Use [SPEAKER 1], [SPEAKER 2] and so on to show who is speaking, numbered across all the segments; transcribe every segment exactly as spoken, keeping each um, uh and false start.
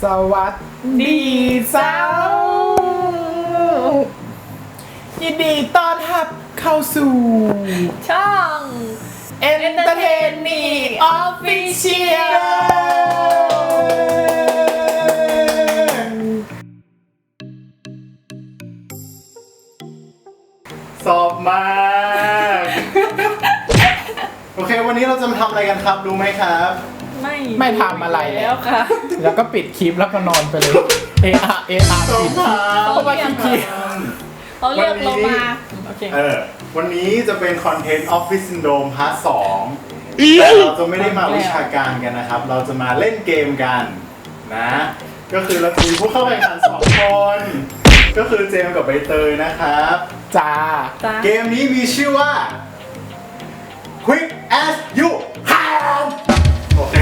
[SPEAKER 1] สวัสดีเจ้ายินดีต้อนรับเข้าสู่
[SPEAKER 2] ช่อง
[SPEAKER 1] Entertain Me Official
[SPEAKER 3] สอบมากโอเควันนี้เราจะมาทำอะไรกันครับรู้ไหมครับ
[SPEAKER 2] ไม่
[SPEAKER 1] ไม่ทำอะไร
[SPEAKER 2] แล้วค่ะ
[SPEAKER 1] แล้วก็ปิดคลิปแล้วก็นอนไปเลย เออาเออา
[SPEAKER 3] สองทาง
[SPEAKER 1] เพราะว่าขี้เกียจ
[SPEAKER 2] เขาเรียกเรามาโอเค
[SPEAKER 3] เออวันนี้จะเป็นคอนเทนต์ Office Syndrome พาร์ทสองแต่เราจะไม่ได้มาวิชาการกันนะครับ เราจะมาเล่นเกมกันนะก็คือเราจะมีผู้เข้าแข่งขันสองคนก็คือเจมส์กับใบเตยนะครับ
[SPEAKER 1] จ้า
[SPEAKER 2] จ้า
[SPEAKER 3] เกมนี้มีชื่อว่า Quick as you can โอเค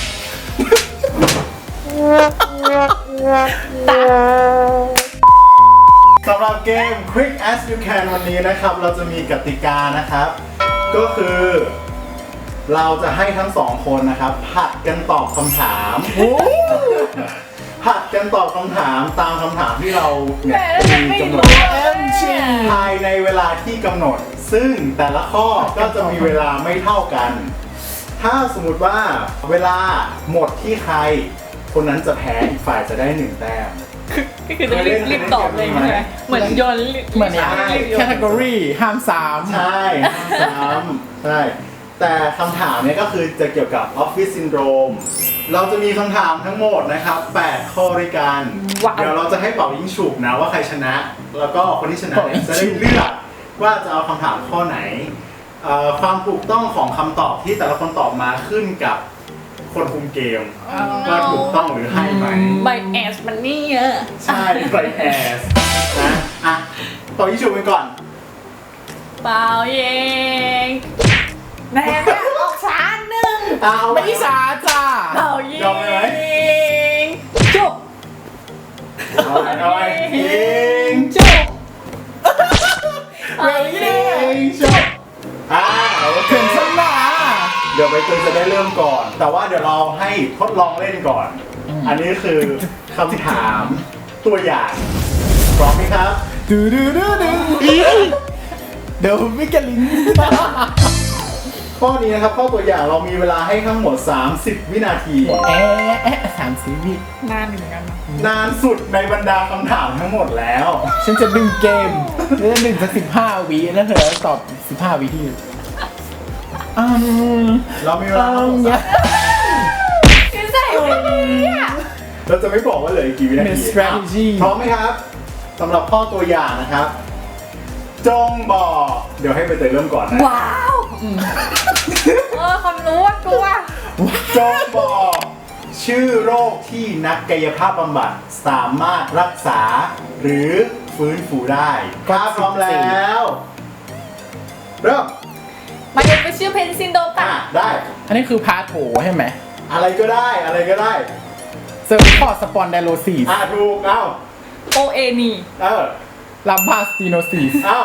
[SPEAKER 3] สำหรับเกม Quick as you can วันนี้นะครับเราจะมีกติกานะครับก็คือเราจะให้ทั้งสองคนนะครับผัดกันตอบคำถามผัดกันตอบคำถามตามคำถามที่เราเนี่ยมีกำหนด
[SPEAKER 1] เอ็มชี
[SPEAKER 3] ภายในเวลาที่กำหนดซึ่งแต่ละข้อก็จะมีเวลาไม่เท่ากัน ถ้าสมมุติว่าเวลาหมดที่ใครคนนั้นจะแพ้อีกฝ่ายจะได้หนึ่งแต้ม
[SPEAKER 2] ก็คือต้องรีบรีบตอบเลยใช่ไหมเหมือนโยน
[SPEAKER 1] เหมือนอย่างแคตตากรีห้ามสาม
[SPEAKER 3] ใช่ซ้ำใช่แต่คำถามเนี่ยก็คือจะเกี่ยวกับ Office Syndrome เราจะมีคำถามทั้งหมดนะครับแปดข้อด้วยกัน เดี๋ยวเราจะให้เป่ายิงฉุบนะว่าใครชนะ แล้วก็คนที่ชนะเนี่ยจะได้เลือกว่าจะเอาคำถามข้อไหนเอ่อความถูกต้องของคำตอบที่แต่ละคนตอบมาขึ้นกับคนคุมเกมว่าถูกต้องหรือให้ไหม
[SPEAKER 2] ใบแอสมันนี่เยอะ
[SPEAKER 3] ใช่ไบแอสนะอ่ะเป่ายิงฉุบกันก่อน
[SPEAKER 2] เปล่าเยงแน่แม่ออกช้าหนึ่ง
[SPEAKER 3] เอา
[SPEAKER 1] ไม่สาจ้า
[SPEAKER 2] เปล่าเย
[SPEAKER 3] ยอมไหม
[SPEAKER 2] งจุบ
[SPEAKER 3] เอาไปเอาไปยิง
[SPEAKER 2] จุบ
[SPEAKER 1] เร็วยิ่ง
[SPEAKER 3] ยิงชุบอ่าโอเค
[SPEAKER 1] ถึงสนา
[SPEAKER 3] เดี๋ยวใบเตยจะได้เริ่มก่อน แต่ว่าเดี๋ยวเราให้ทดลองเล่นก่อน อันนี้คือคำถามตัวอย่างพร้อมไหมครับ
[SPEAKER 1] ดูดูดูดูเดี๋ยวมิกลิน
[SPEAKER 3] ข้อนี้นะครับข้อตัวอย่างเรามีเวลาให้ทั้งหมดสามสิบวินาที
[SPEAKER 1] เอ๊ะเอ๊ะสามสีวิ
[SPEAKER 2] นานเหมือนกันนะ
[SPEAKER 3] นานสุดในบรรดาคำถามทั้งหมดแล้ว
[SPEAKER 1] ฉันจะดึงเกมแล้วจะดึงสักสิบห้าวิแล้วเธอตอบสิบห้าวิที่อืม
[SPEAKER 3] เรามีเวลาทั้งหมดสาม
[SPEAKER 2] คือใส่ไม่ดีอ่ะ
[SPEAKER 3] เราจะไม่บอกว่าเหลืออีกกี่วินา
[SPEAKER 1] เป็น
[SPEAKER 3] ที
[SPEAKER 1] strategy
[SPEAKER 3] พร้อมไหมครับสำหรับข้อตัวอย่างนะครับ จงบอกเดี๋ยวให้ใบเตยเริ่มก่อนนะ
[SPEAKER 2] ว้าวเออความรู้ว่ากลัว
[SPEAKER 3] จงบอกชื่อโรคที่นักกายภาพบำบัดสามารถรักษาหรือฟื้นฟูได้ถ้าพร้อมแล้วเริ่ม
[SPEAKER 2] มันจะเป็นชื่อเพนซินโดป่ะ
[SPEAKER 3] อ่ะได้
[SPEAKER 1] อันนี้คือพาโถใช่ไหม
[SPEAKER 3] อะไรก็ได้อะไรก็ได้
[SPEAKER 1] เซอร์วิคอสปอนไดโลซีส
[SPEAKER 3] อ่ะถูกเอ้า
[SPEAKER 2] โอเอนี
[SPEAKER 3] เออ
[SPEAKER 1] ลัมบาสติโนซีส
[SPEAKER 3] เอ้า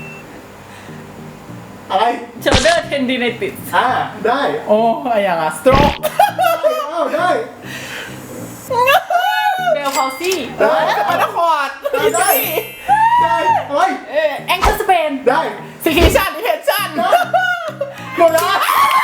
[SPEAKER 3] อะไร
[SPEAKER 2] โชเดอร์เทนดิเนติส
[SPEAKER 3] อ่ะได้
[SPEAKER 1] โอ้อะไรอย่างอะสโตรก
[SPEAKER 3] เอ้าได้
[SPEAKER 2] เบลพาวซี่
[SPEAKER 3] ได้
[SPEAKER 1] มานาคอร์ด
[SPEAKER 3] ได้ได้ได้อะไร
[SPEAKER 2] เออแองเกิลสเปน
[SPEAKER 3] ได้
[SPEAKER 1] ซิคิชันดิเพนชัน
[SPEAKER 3] หมดแล้ว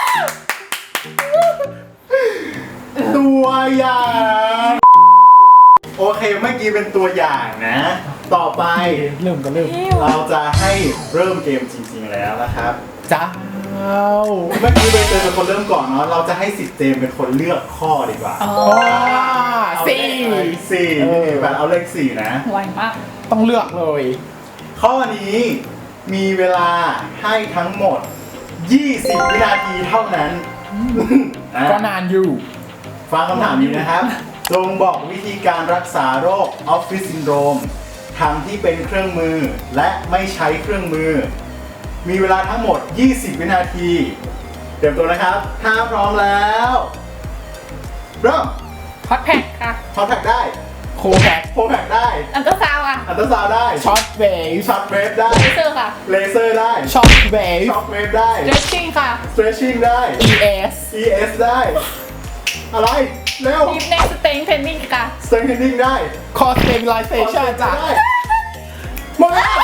[SPEAKER 3] ตัวอย่างโอเคเมื่อกี้เป็นตัวอย่างนะ ต่อไป
[SPEAKER 1] เริ่มก็เริ่ม
[SPEAKER 3] เราจะให้เริ่มเกมจริงๆแล้วนะครับ
[SPEAKER 1] จ้า
[SPEAKER 3] เมื่อกี้ใบเตยเป็นคนเริ่มก่อนเนาะเราจะให้สิทธิ์เจมเป็นคนเลือกข้อดีกว่า
[SPEAKER 2] อ๋อ
[SPEAKER 3] เอา
[SPEAKER 1] สี่
[SPEAKER 3] เลขสี่
[SPEAKER 1] เออ
[SPEAKER 3] แบบเอาเลขสี่นะ
[SPEAKER 2] ไวมาก
[SPEAKER 1] ต้องเลือกเลย
[SPEAKER 3] ข้อนี้มีเวลาให้ทั้งหมดยี่สิบวินาทีเท่านั้นอ่ะ
[SPEAKER 1] ก็นานอยู่
[SPEAKER 3] ฟังคำถามนี้นะครับ จงบอกวิธีการรักษาโรค Office Syndrome ทั้งที่เป็นเครื่องมือและไม่ใช้เครื่องมือ มีเวลาทั้งหมดยี่สิบวินาที เตรียมตัวนะครับ ถ้าพร้อมแล้วเริ่ม
[SPEAKER 2] ฮอตแพ็คค่ะ
[SPEAKER 3] พอแพ็กได้
[SPEAKER 1] โคแพค
[SPEAKER 3] โฟแพ็กได้
[SPEAKER 2] อันเตอร์ซาวอ่ะ
[SPEAKER 3] อัลตราซาวด์ได้
[SPEAKER 1] ช็อตเวฟ
[SPEAKER 3] ช็อตเวฟได้
[SPEAKER 2] เลเซอร์ค่ะ
[SPEAKER 3] เลเซอร์ได้
[SPEAKER 1] ช็อตเวฟ
[SPEAKER 3] ช็อตเวฟได้
[SPEAKER 2] เดรสชิ่งค่ะ
[SPEAKER 3] stretching ได้
[SPEAKER 1] อี เอส
[SPEAKER 3] อี เอส ได้ อะไร เร็ว
[SPEAKER 2] ดิฟเน็กสเต็งเทนนิ่งค่ะ
[SPEAKER 3] ส strengthening ได้
[SPEAKER 1] core stabilization จ้ะ
[SPEAKER 3] ได้
[SPEAKER 1] หมดแล้ว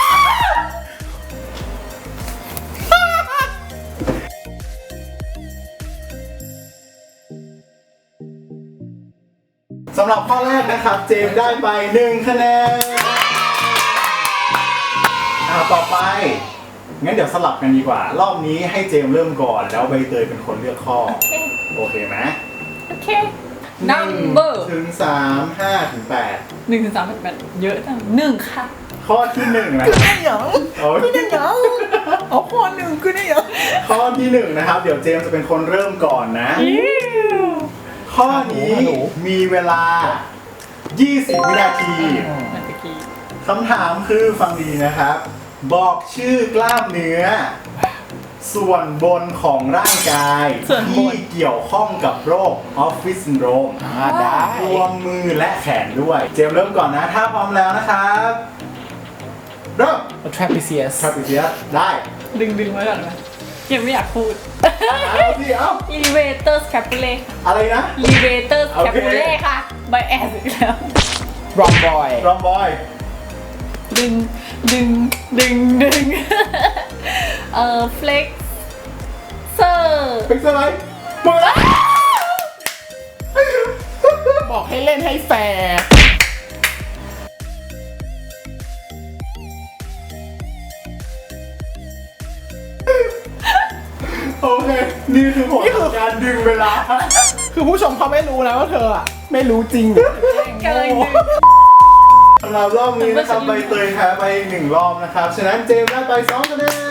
[SPEAKER 3] สำหรับข้อแรกนะครับ เจมส์ได้ไปหนึ่งคะแนนอ่าต่อไป งั้นเดี๋ยวสลับกันดีกว่า รอบนี้ให้เจมส์เริ่มก่อน แล้วใบเตยเป็นคนเลือกข้อ โอเคไหม
[SPEAKER 2] โอเค number
[SPEAKER 3] ถึงสามห้าถึงแปด
[SPEAKER 2] หนึ่งถึงสามแปดเยอะจังหนึ่งค่ะ
[SPEAKER 3] ข้อที่หนึ่งนะ
[SPEAKER 1] คือได้หยัง
[SPEAKER 3] โอ้ย
[SPEAKER 1] คือได้หยังเอาข้อหนึ่งคือได้หยัง
[SPEAKER 3] ข้อที่หนึ่งนะครับ เดี๋ยวเจมส์จะเป็นคนเริ่มก่อนนะ ข้อนี้มีเวลา ยี่สิบ วินาที
[SPEAKER 2] เมื่อกี้
[SPEAKER 3] คำถามคือฟังดีนะครับ บอกชื่อกล้ามเนื้อ ส่วนบนของร่างกายที่เกี่ยวข้องกับโรคออฟฟิศซินโดรม
[SPEAKER 1] อ่าได้
[SPEAKER 3] รวมมือและแขนด้วย เจมส์เริ่มก่อนนะ ถ้าพร้อมแล้วนะครับเริ่ม
[SPEAKER 1] trapezius
[SPEAKER 3] ครับพี่เสียได้
[SPEAKER 2] ดึงดึงไว้ก่อนนะยังไม่อยากพูด
[SPEAKER 3] เอาสิเอา
[SPEAKER 2] elevator scapulae
[SPEAKER 3] อะไรนะ
[SPEAKER 2] elevator
[SPEAKER 3] โอเค
[SPEAKER 2] scapulae ค่ะ by ass อีกแล้ว
[SPEAKER 1] rhomboid
[SPEAKER 3] รอมบอย
[SPEAKER 2] ดึงดึงดึงดึงเอ่อ flex เซอร์
[SPEAKER 3] เป็นอะไรหมดแล้ว
[SPEAKER 1] บอกให้เล่นให้แฟร์
[SPEAKER 3] โอเค นี่คือผลของการดึงเวลา
[SPEAKER 1] คือผู้ชมเขาไม่รู้นะว่าเธออะไม่รู้จริง
[SPEAKER 2] กำลังดึง
[SPEAKER 3] สำหรับรอบนี้นะครับใบเตยแพ้ไปหนึ่งรอบนะครับ ฉะนั้นเจมส์ได้ไปสองคะแนน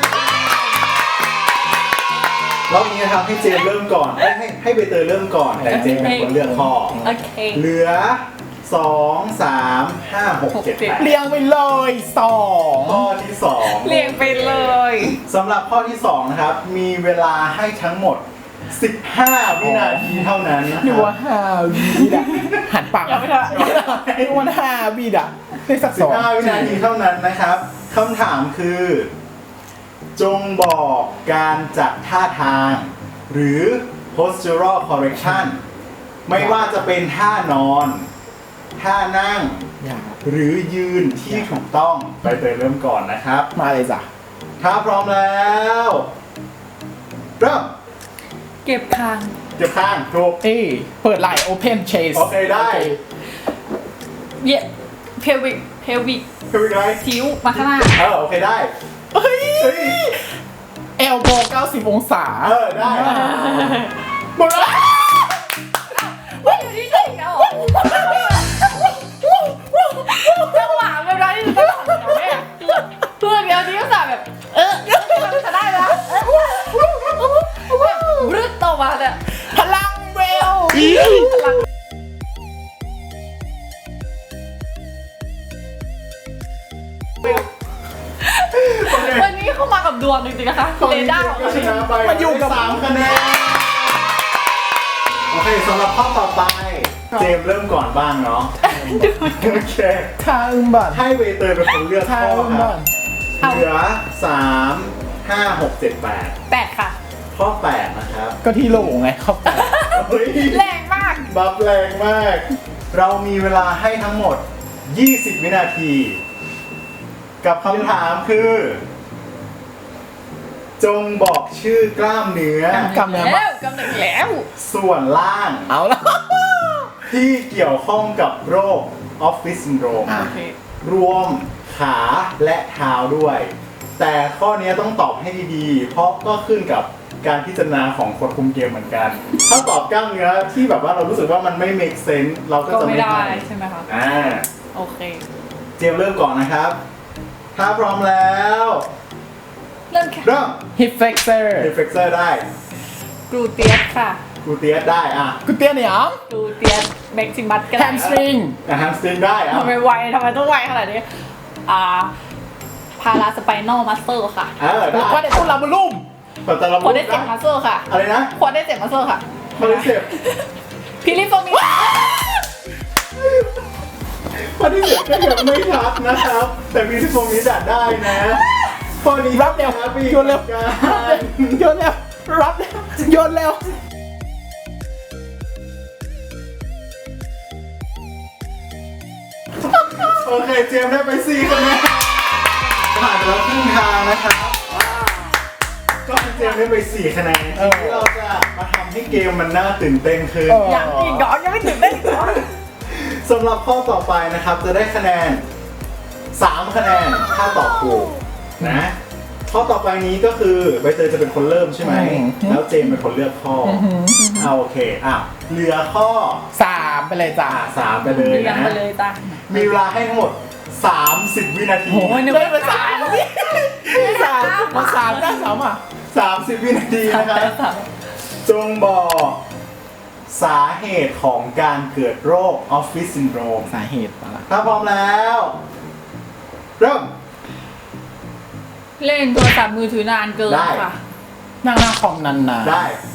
[SPEAKER 3] รอบนี้นะครับให้เจมส์เริ่มก่อนให้ให้ให้ใบเตยเริ่มก่อน แต่เจมส์เป็นคนเลือกข้อ
[SPEAKER 2] โอเค
[SPEAKER 3] เหลือสองสามห้าหกเจ็ดแปด
[SPEAKER 1] เรียงไปเลยสอง
[SPEAKER 3] ข้อที่สอง
[SPEAKER 2] เรียงไปเลย
[SPEAKER 3] สำหรับข้อที่สองนะครับ มีเวลาให้ทั้งหมด สิบห้า วินาทีเท่านั้นนะค
[SPEAKER 1] ดู
[SPEAKER 3] รับ
[SPEAKER 1] ว่าห้าวิดอะหันปาก
[SPEAKER 2] ยังไม่ได้
[SPEAKER 1] ดูว่าห้าวิดอะได้สัก
[SPEAKER 3] สิ
[SPEAKER 1] ส
[SPEAKER 3] บ
[SPEAKER 1] อง
[SPEAKER 3] ห้า วินาทีเท่านั้นนะครับคำถามคือ จงบอกการจัดท่าทาง หรือ postural correction ไม่ว่าจะเป็นท่านอน ท่านั่ง
[SPEAKER 1] อย่า
[SPEAKER 3] หรือยืนที่ถูกต้องไปเตยเริ่มก่อนนะครับ
[SPEAKER 1] มาเลยจ้ะ
[SPEAKER 3] ถ้าพร้อมแล้วเริ่ม
[SPEAKER 2] เก็บคาง
[SPEAKER 3] เก็บข้างถูก
[SPEAKER 1] เอ้ยเปิดไหล่ open chest
[SPEAKER 3] โอเคได้
[SPEAKER 2] เย็บเพลวิกเพลวิก
[SPEAKER 3] คืออะไร
[SPEAKER 2] คิ้วมาข้างหน้า
[SPEAKER 3] เออโอเคได้
[SPEAKER 1] เฮ้ย
[SPEAKER 3] เฮ้ย
[SPEAKER 1] elbow เก้าสิบองศา
[SPEAKER 3] เออได้
[SPEAKER 1] หมดแล้ว
[SPEAKER 2] ว่าอยู่ที่ไหนเอาจังหวะแบบนั้นที่จะต้องทำเนี่ยเพื่อนเดียวนี้ก็สาแบบ เออจะได้แล้วรึดต่อมาเนี่ย
[SPEAKER 1] พลังเวล
[SPEAKER 2] วันนี้เข้ามากับดวงจริงๆนะคะ
[SPEAKER 3] ตอน
[SPEAKER 2] เร
[SPEAKER 3] นี้
[SPEAKER 2] ดาร์
[SPEAKER 3] ก็ชนะไปสามคะแนนโอเคสำหรับข้อต่อไป เจมส์เริ่มก่อนบ้างเนาะโอเค
[SPEAKER 1] ทาอึมบัน
[SPEAKER 3] ให้เวเตอร์เป็นคนเลือก
[SPEAKER 1] ทา
[SPEAKER 3] ข้อ
[SPEAKER 1] อึม
[SPEAKER 3] ครั
[SPEAKER 1] บั
[SPEAKER 3] บ
[SPEAKER 1] น
[SPEAKER 3] เหลือสามห้าหกเจ็ดแปด
[SPEAKER 2] แปดค่ะ
[SPEAKER 3] ข้อแปดนะครับ
[SPEAKER 1] ก็ที่โหลไงเข้าไป
[SPEAKER 3] เฮ้ย
[SPEAKER 2] แรงมาก
[SPEAKER 3] บัฟแรงมาก เรามีเวลาให้ทั้งหมด ยี่สิบ วินาที กับคำถามคือ จงบอกชื่อกล้ามเนื้อ
[SPEAKER 1] กำเนิด
[SPEAKER 2] แล้
[SPEAKER 1] มาว
[SPEAKER 2] กำเนิดแล้ว
[SPEAKER 3] ส่วนล่าง
[SPEAKER 1] เอาละ
[SPEAKER 3] ที่เกี่ยวข้องกับโรคออฟฟิศซินโดรม
[SPEAKER 1] อ่ะ
[SPEAKER 2] โอเค
[SPEAKER 3] รวมขาและเท้าด้วย แต่ข้อนี้ต้องตอบให้ดีๆ เพราะก็ขึ้นกับการพิจารณาของคนคุมเกมเหมือนกัน ถ้าตอบกล้ามเนื้อที่แบบว่าเรารู้สึกว่ามันไม่ make sense เราก็
[SPEAKER 2] ก็
[SPEAKER 3] จะ
[SPEAKER 2] ไม่
[SPEAKER 3] ไม่
[SPEAKER 2] ได้
[SPEAKER 3] ให้
[SPEAKER 2] ใช่ไหมคะ
[SPEAKER 3] อ่า
[SPEAKER 2] โอเค
[SPEAKER 3] เจมส์เริ่มก่อนนะครับ ถ้าพร้อมแล้ว
[SPEAKER 2] เริ่มแค่
[SPEAKER 3] เริ่ม
[SPEAKER 1] hip flexor
[SPEAKER 3] เดฟเฟกเซอร์ได้
[SPEAKER 2] กรูเตียสค่ะ
[SPEAKER 3] กูเตียสได้อ่ะ
[SPEAKER 1] กูเตี้ยเนี่ยง
[SPEAKER 2] กรูเตียสแม็กซิมัสก็ได้
[SPEAKER 1] hamstring
[SPEAKER 3] อ่ะแฮมสตริงได้อ่ะ
[SPEAKER 2] ทำไมไวทำไมต้องไวขนาดนี้ อ่า พาราสไปนอลมัสเซลค่ะ
[SPEAKER 3] เออได้
[SPEAKER 1] แล้วก็ได้ตุ้นลาบุลุ่ม
[SPEAKER 3] ปัตตาล
[SPEAKER 2] ควอได้เจ็บมัสเซลค่ะ
[SPEAKER 3] อะไรนะ
[SPEAKER 2] ควอได้เจ็บมัสเซลค่ะ
[SPEAKER 3] คอลิเซป
[SPEAKER 2] พิลิโฟมิ
[SPEAKER 3] ข้อที่เหลือก็ยังไม่ชัดนะครับ แต่มีที่ตรงนี้จัดได้นะข้อนี้
[SPEAKER 1] รับเร็ว
[SPEAKER 3] นะพี่
[SPEAKER 1] โยนเร็ว
[SPEAKER 3] การ
[SPEAKER 1] โยนเร็วรับเร็วโยนเร็ว
[SPEAKER 3] ขโอเคเจมส์ได้ไปสี่คะแนนผ่านไปแล้วครึ่งทางนะครับก็เจมส์ได้ไปสี่คะแนนทีนี้เราจะมาทำให้เกมมันน่าตื่นเต้นขึ้น
[SPEAKER 2] ยังอีกเหรอยังไม่ถึงได้อีกเหรอ
[SPEAKER 3] สำหรับข้อต่อไปนะครับจะได้คะแนนสามคะแนนถ้าตอบถูกนะข้อต่อไปนี้ก็คือใบเตยจะเป็นคนเริ่มใช่ไหมแล้วเจมส์เป็นคนเลือกข้อเอาโอเคอ่ะเหลือข้อ
[SPEAKER 1] สามไปเลยจ้า
[SPEAKER 3] อ่ะสามไปเลย
[SPEAKER 2] ยัง
[SPEAKER 3] นะ
[SPEAKER 2] ไปเลยจ้ะ
[SPEAKER 3] มีเวลาให้ทั้งหมดสามสิบวินาที
[SPEAKER 2] โอ้ยนึก
[SPEAKER 1] ได้
[SPEAKER 2] ว่า
[SPEAKER 1] มาสามสามมาสามได้สามอ่ะ
[SPEAKER 3] สามสิบวินาที
[SPEAKER 2] สาม
[SPEAKER 3] นะครับ
[SPEAKER 2] สาม
[SPEAKER 3] จงบอกสาเหตุของการเกิดโรคออฟฟิศซินโดรม
[SPEAKER 1] สาเหตุอะไร
[SPEAKER 3] ถ้าพร้อมแล้วเริ่ม
[SPEAKER 2] เล่นโทรศัพท์มือถือนานเกิน
[SPEAKER 3] ได้
[SPEAKER 2] ค่ะ
[SPEAKER 1] นั่งหน้าคอมนานๆ
[SPEAKER 3] ได้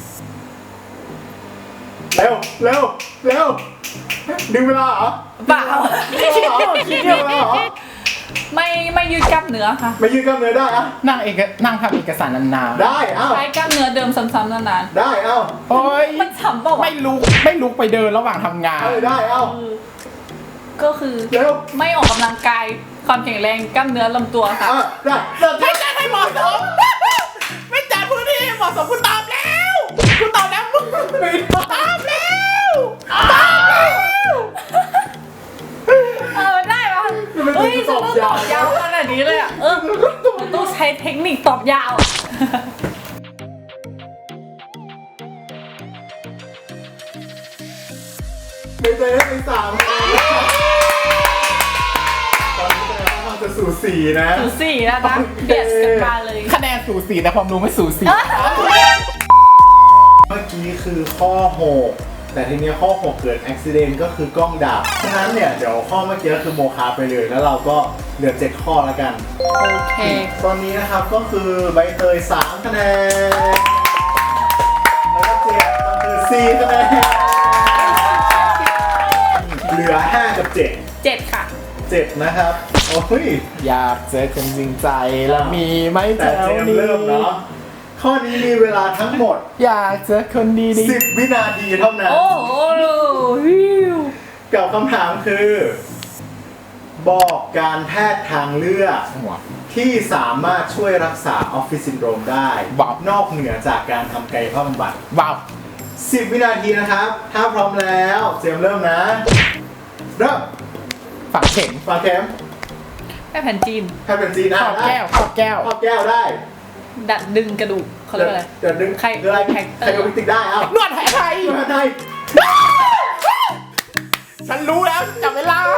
[SPEAKER 3] เร็วเร็วเร็วดึงเวลาเหรอ
[SPEAKER 2] เปล่า
[SPEAKER 3] ดึงเวลาเหรอดึงเวลาเหรอ
[SPEAKER 2] ไม่ไม่ยืดกล้ามเนื้อค่ะ
[SPEAKER 3] ไม่ยืดกล้ามเนื้อได้อะ
[SPEAKER 1] นั่งเอกนั่งทำเอกสารนานๆ
[SPEAKER 3] ได้เอ้า
[SPEAKER 2] ใช้กล้ามเนื้อเดิมซ้ำๆนาน
[SPEAKER 3] ได้เอ้า
[SPEAKER 1] โอ้ย
[SPEAKER 2] ๆมันฉ่ำเปล่าวะ
[SPEAKER 1] ไม่ลุกไม่ลุกไปเดินระหว่างทำงาน
[SPEAKER 3] เออได้เอ้า
[SPEAKER 2] เออก็คือ
[SPEAKER 3] เร็ว
[SPEAKER 2] ไม่ออกกำลังกายความแข็งแรงกล้ามเนื้อลำตัวค่ะ
[SPEAKER 3] อ่ะได้ได้
[SPEAKER 1] ไม่จัดให้เหมาะสม ไม่จัดพื้นที่ให้เหมาะสมคุณตอบแล้วคุณตอบแล้วมึงตอบแล้วตอบแล้ว
[SPEAKER 2] เออได้ปะเฮ้ยจะต้องตอบยาวขนาดนี้เลยอ่ะ เออมันต้องใช้เทคนิคตอบยาวอ่ะ
[SPEAKER 3] ไปเจอได้ไปสามคะแนนตอนนี้คะแนนค่อนข้างจะสูสีนะ
[SPEAKER 2] สูสี่นะนะเบียดกันมาเลย
[SPEAKER 1] คะแนนสูสีแต่ความรู้ไม่สูสี
[SPEAKER 3] เมื่อกี้คือข้อหกแต่ทีเนี้ยข้อหกเกิดอุบิเหตุก็คือกล้องดับฉะนั้นเนี่ยเดี๋ยวข้อเมื่อกี้ก็คือโมฆะไปเลยแล้วเราก็เหลือเจ็ดข้อแล้วกัน
[SPEAKER 2] โอเค
[SPEAKER 3] ตอนนี้นะครับก็คือใบเตยสามคะแนนแล้วก็เจมส์ก็คือสี่คะแนนเหลือห้ากับเจ็ด
[SPEAKER 2] เจ็ดค่ะ
[SPEAKER 3] เจ็ดนะครับโอ้ย
[SPEAKER 1] อยากเจอคนจริงใจแล้วมีไหมแถ
[SPEAKER 3] แต่
[SPEAKER 1] ว
[SPEAKER 3] เจมส์
[SPEAKER 1] นี้
[SPEAKER 3] เริ่มเนาะข้อนี้มีเวลาทั้งหมด
[SPEAKER 1] อยากเจอคนดี
[SPEAKER 3] สิบวินาทีเท่านั้น
[SPEAKER 2] โอ้โหฮิว
[SPEAKER 3] กับคำถามคือ บอกการแพทย์ทางเลือก
[SPEAKER 1] ๆหัว
[SPEAKER 3] ที่สามารถช่วยรักษาออฟฟิศซินโดรมได้
[SPEAKER 1] ว้าว
[SPEAKER 3] นอกเหนือจากการทำกายภาพบำบัด
[SPEAKER 1] ว้าว
[SPEAKER 3] สิบวินาทีนะครับ ถ้าพร้อมแล้วเจมส์เริ่มนะ เริ่ม
[SPEAKER 1] ฝังเข็ม
[SPEAKER 3] ฝากเข็ม
[SPEAKER 2] แค่แผ่นจีน
[SPEAKER 3] แพทย์เป็นจีน
[SPEAKER 1] ค
[SPEAKER 3] อ่ะ
[SPEAKER 1] รอบ
[SPEAKER 3] ได้
[SPEAKER 1] แก้วครอบแก้ว
[SPEAKER 3] ครอบแก้วได้
[SPEAKER 2] ดัดดึงกระดูกเขาเรียกว่าอะไร
[SPEAKER 3] เดี๋ยวดึง
[SPEAKER 2] ใคร
[SPEAKER 3] คืออะไร
[SPEAKER 2] แท็กเตอร์
[SPEAKER 3] ใครโรบิติกได้เอ้าน
[SPEAKER 1] วดแผลไทย
[SPEAKER 3] นวดไทย
[SPEAKER 1] ฉันรู้แล้วจับเวลา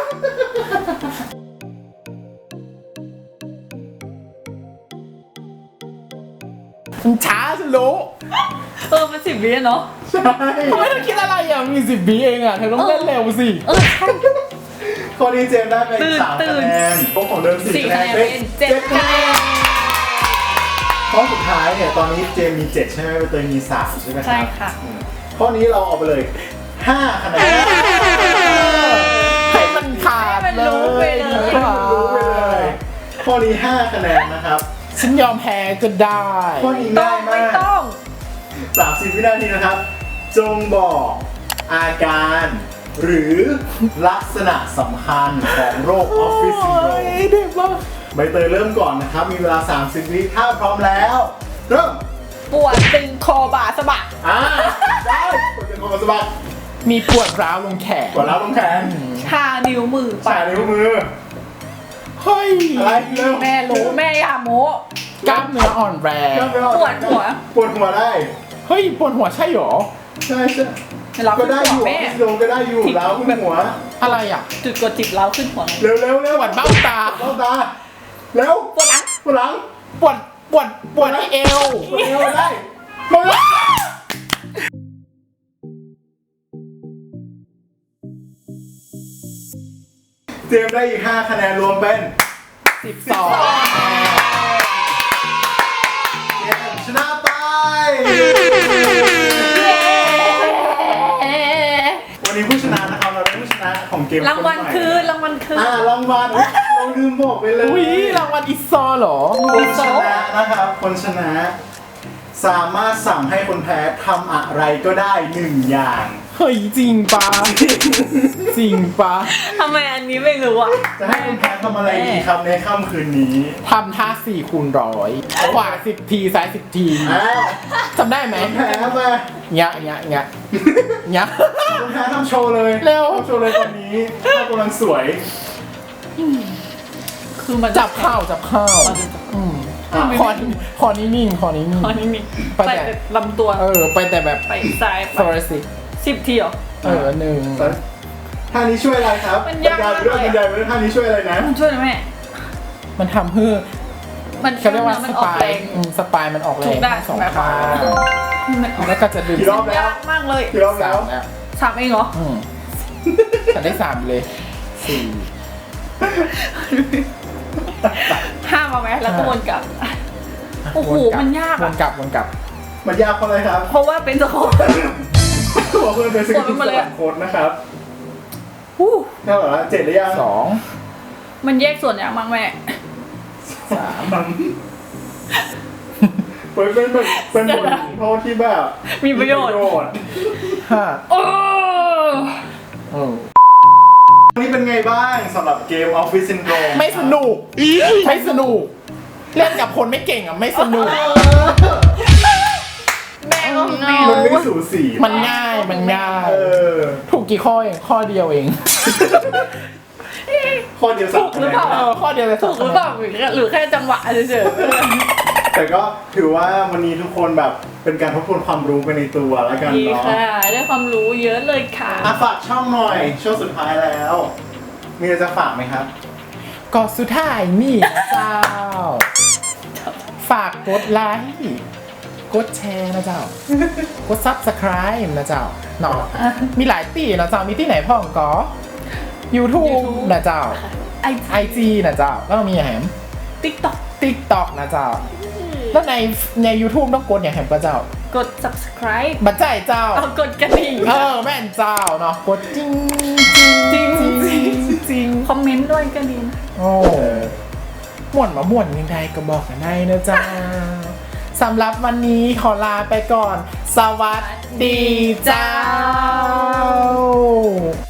[SPEAKER 1] ฉันช้าฉันรู้
[SPEAKER 2] เออมันสิบวิอะเนาะ
[SPEAKER 3] ใช่
[SPEAKER 1] ทำไมเธอคิดอะไรอ่ะ มีสิบวิเองอ่ะ เธอต้องเล่นเร็วสิ
[SPEAKER 2] เออใช่
[SPEAKER 3] ข้อนี้เจมส์ได้เป็น
[SPEAKER 2] ตื่น
[SPEAKER 3] สาม
[SPEAKER 2] ตื่
[SPEAKER 3] คะ
[SPEAKER 2] น
[SPEAKER 3] แนนพวกของเดิมสี่
[SPEAKER 2] สี่
[SPEAKER 3] คะแน
[SPEAKER 2] คะแนน
[SPEAKER 3] นเป็
[SPEAKER 2] เป็น นเจ็ดคะแนน
[SPEAKER 3] ข้อสุดท้ายเนี่ยตอนนี้เจมส์มีเจ็ดใช่ไหมใบเตยมีสามใช่ไหมครับ
[SPEAKER 2] ใช่ค่ะ
[SPEAKER 3] อืมข้อนี้เราเอาไปเลยห้าคะแนน
[SPEAKER 1] ให้มันขาด
[SPEAKER 2] ให้มัน
[SPEAKER 1] เล
[SPEAKER 2] รู้ไป
[SPEAKER 1] ย
[SPEAKER 2] เลย
[SPEAKER 3] รู้ไปเลยข้อนี้ห้าคะแนนนะครับ
[SPEAKER 1] ฉันยอมแพ้ก็ได้
[SPEAKER 3] ข้อนี้
[SPEAKER 2] ต้อ
[SPEAKER 3] ง่าง ย
[SPEAKER 2] ไม่
[SPEAKER 3] มาก
[SPEAKER 2] ต้อง
[SPEAKER 3] สามสิบวินาทีนะครับ จงบอกอาการ หรือลักษณะสำคัญของโรคออฟฟิศซินโดร
[SPEAKER 1] โอ้
[SPEAKER 3] ม
[SPEAKER 1] ยเด็กมาก
[SPEAKER 3] ใบเตยเริ่มก่อนนะครับ มีเวลา สามสิบ วิถ้าพร้อมแล้ว เริ่ม
[SPEAKER 2] ปวดตึงคอบ่าสะบัก
[SPEAKER 3] อ่าได้กดเป็นคนสะบัด
[SPEAKER 1] มีปวดร้าวลงแขน
[SPEAKER 3] กดแล้วลงแขน
[SPEAKER 2] ชานิ้วมือ
[SPEAKER 3] สายนิ้วมือ
[SPEAKER 1] เฮ้ย
[SPEAKER 3] อะไรเร็ว
[SPEAKER 2] แม่รู้แม่อย่าโม้
[SPEAKER 1] กล้ามเนื้ออ่อนแรง
[SPEAKER 3] เริ่มเร็
[SPEAKER 2] ปวดหัว
[SPEAKER 3] ปวดหัวได้
[SPEAKER 1] เฮ้ย ปวดหัวใช่หรอ
[SPEAKER 3] ใช่ใช่
[SPEAKER 2] เรา
[SPEAKER 3] ก็
[SPEAKER 2] ขึ้น
[SPEAKER 3] ได้
[SPEAKER 2] หั
[SPEAKER 3] อ
[SPEAKER 2] ว
[SPEAKER 3] ยู่
[SPEAKER 2] แม่
[SPEAKER 3] โยงก็ได้อยู่แล้วขึ้นหัว
[SPEAKER 1] อะไรอ่ะ
[SPEAKER 2] จุดกดจิบเราขึ้นหัว
[SPEAKER 3] เร็วเร็วเร็ว
[SPEAKER 1] ปวดเบ้าตา
[SPEAKER 3] เบ้าตา เร็ว
[SPEAKER 2] ปวดหลัง
[SPEAKER 3] ปวดหลัง
[SPEAKER 1] ปวด ปวด ปวดที่เอว
[SPEAKER 3] ปวดเอวได้
[SPEAKER 1] หมดแล้ว
[SPEAKER 3] เจมส์ได้อีกห้าคะแนนรวมเป็น
[SPEAKER 1] สิบสอง
[SPEAKER 3] เจมส์ชนะไป วันนี้ผู้ชนะนะครับเราได้ผู้ชนะของเกม
[SPEAKER 2] รางวัลคือรางวัลคือ
[SPEAKER 3] อ่ารางวัลเราลืมบอกไปเลย
[SPEAKER 1] อุ้ยรางวัลอิซอเหรอ
[SPEAKER 3] คนชนะนะครับ คนชนะ สามารถสั่งให้คนแพ้ทำอะไรก็ได้หนึ่งอย่าง
[SPEAKER 1] ฮเฮ้ยจริงปะจริงปะ
[SPEAKER 2] ทำไมอันนี้ไม่รู้อ่ะ
[SPEAKER 3] จะให้คุณแพ้ทำอะไรดีครับในค่ำคืนนี้
[SPEAKER 1] ทำท่าสี่คูณร้อยขวาสิบทีซ้ายสิบที
[SPEAKER 3] อ้าว
[SPEAKER 1] จำได้ไหม
[SPEAKER 3] คุณแพ้มา
[SPEAKER 1] เงี้ยเงี้ยเงี้ยเงี้ย
[SPEAKER 3] คุณแพ้ทำโชว์เลย
[SPEAKER 1] เร็ว
[SPEAKER 3] ทำโชว์เลยตอนนี้ภาพกำลังสวย
[SPEAKER 2] คือมัน
[SPEAKER 1] จับข้าวจับข้าวอืม
[SPEAKER 3] อ่ะ
[SPEAKER 1] คอคอนิ่งๆคอนิ่ง
[SPEAKER 2] ตอนนี้มี
[SPEAKER 1] ไป
[SPEAKER 2] ไป
[SPEAKER 1] แต่
[SPEAKER 2] แต่ลำตัว
[SPEAKER 1] ๆเออไปแต่แบบ
[SPEAKER 2] ไปซ้ายไป
[SPEAKER 1] โซลาสิก
[SPEAKER 2] สิบทีเหรอ
[SPEAKER 1] เออหนึ่ง
[SPEAKER 3] ท่านี้ช่วยอะไรครับ
[SPEAKER 2] มันยาก
[SPEAKER 3] บรรยายไปด้วย
[SPEAKER 2] มากเลย
[SPEAKER 3] บรรยายไปด้วยท่านี้ช่วยอะไรนะ
[SPEAKER 2] มันช่วยนะแม่
[SPEAKER 1] มันทำให้
[SPEAKER 2] มัน
[SPEAKER 1] เขาเรียกว่า
[SPEAKER 2] มั
[SPEAKER 1] ส
[SPEAKER 2] นออก
[SPEAKER 1] ปา
[SPEAKER 2] แร
[SPEAKER 1] ย
[SPEAKER 2] ง
[SPEAKER 1] อืมสปายมันออกแร
[SPEAKER 2] ถู
[SPEAKER 1] ง
[SPEAKER 2] กได้
[SPEAKER 1] ทั้งสอง
[SPEAKER 2] แบบ
[SPEAKER 1] ข้าง
[SPEAKER 2] มันออก
[SPEAKER 1] แล้วก็จะดึง
[SPEAKER 3] กี่รอบแล้ว
[SPEAKER 2] ยากมากเลย
[SPEAKER 3] กี่รอบ
[SPEAKER 1] สา
[SPEAKER 3] แล้ว
[SPEAKER 1] มแล้ว
[SPEAKER 2] สามเองเหรอ
[SPEAKER 1] อืมฉันได้สามเลยสี่
[SPEAKER 2] ห้ามาไหมแล้วก็วนกลับ โอ้โห
[SPEAKER 1] วนกลับ
[SPEAKER 2] มันยากอะ
[SPEAKER 1] วนกลับวนกลับ
[SPEAKER 3] มันยากเพราะอะไรครับ
[SPEAKER 2] เพราะว่าเป็นสโคป
[SPEAKER 3] บอกเพื่อนเป็นสกิล
[SPEAKER 2] กดไปหมด
[SPEAKER 3] ส
[SPEAKER 2] เลยอะ
[SPEAKER 3] ลับโค้ดนะครับ
[SPEAKER 2] อู้
[SPEAKER 3] เท่าไหร่ละเจ็ดหรือยัง
[SPEAKER 1] สอง
[SPEAKER 2] มันแยกส่วนอย่างมั้งแม่
[SPEAKER 1] สาม
[SPEAKER 3] เป็นเป็นแบบเป็นบทโทษที่แบบ
[SPEAKER 2] มีประโยชน์
[SPEAKER 3] ชน์
[SPEAKER 1] ห้า
[SPEAKER 2] โอ้
[SPEAKER 1] เออ
[SPEAKER 3] วันนี้เป็นไงบ้างสำหรับเกม Office Syndrome
[SPEAKER 1] ไม่สนุกไม่สนุกเล่นกับคนไม่เก่งอ่ะไม่สนุก
[SPEAKER 2] แม่ก็เงา
[SPEAKER 3] มันไม่สูสี
[SPEAKER 1] มันง่ายมันง่าย
[SPEAKER 3] เออ
[SPEAKER 1] ถูกกี่ข้อเองข้อเดียวเอง
[SPEAKER 3] ข้อเดียวสามคะแนน
[SPEAKER 1] เออข้อเดียวเลย
[SPEAKER 2] ถูกหรือเปล่าหรือแค่จังหวะเฉย
[SPEAKER 3] แต่ก็ถือว่าวันนี้ทุกคนแบบเป็นการทบทวนความรู้ไปในตัวแล้วกัน
[SPEAKER 2] ๆดี
[SPEAKER 3] เนาะ
[SPEAKER 2] ค่ะ ได้ความรู้เยอะเลยค่ะ
[SPEAKER 3] อ่ะฝากช่องหน่อยช่วงสุดท้ายแล้ว มีอะไรจะฝากไหมครับ
[SPEAKER 1] ก็สุดท้ายนี่นะเจ้า ฝากกดไลค์กดแชร์นะเจ้า กด subscribe นะเจ้าเนาะมีหลายตีนะเจ้ามีที่ไหนพ่องก็ YouTube
[SPEAKER 2] YouTube
[SPEAKER 1] นะเจ้า
[SPEAKER 2] ไอ
[SPEAKER 1] ไอ จี นะเจ้าแล้วก็มีแหม
[SPEAKER 2] ติ๊กต็อก
[SPEAKER 1] TikTok นะเจ้า แล้วในใน YouTube ต้องกดอย่างแหมก็เจ้า
[SPEAKER 2] กด subscribe
[SPEAKER 1] บัจใจเจ้า
[SPEAKER 2] เอากดกระดิ่ง
[SPEAKER 1] เออแม่นเจ้าเนาะกดจริงจริง
[SPEAKER 2] จริง
[SPEAKER 1] จริงจริง
[SPEAKER 2] คอมเมนต์ด้วยก็ดีนะ
[SPEAKER 1] โอ้ม่วนมาม่วนยังไงก็บอกกันได้นะจ๊ะสำหรับวันนี้ขอลาไปก่อน สวัสดีเจ้า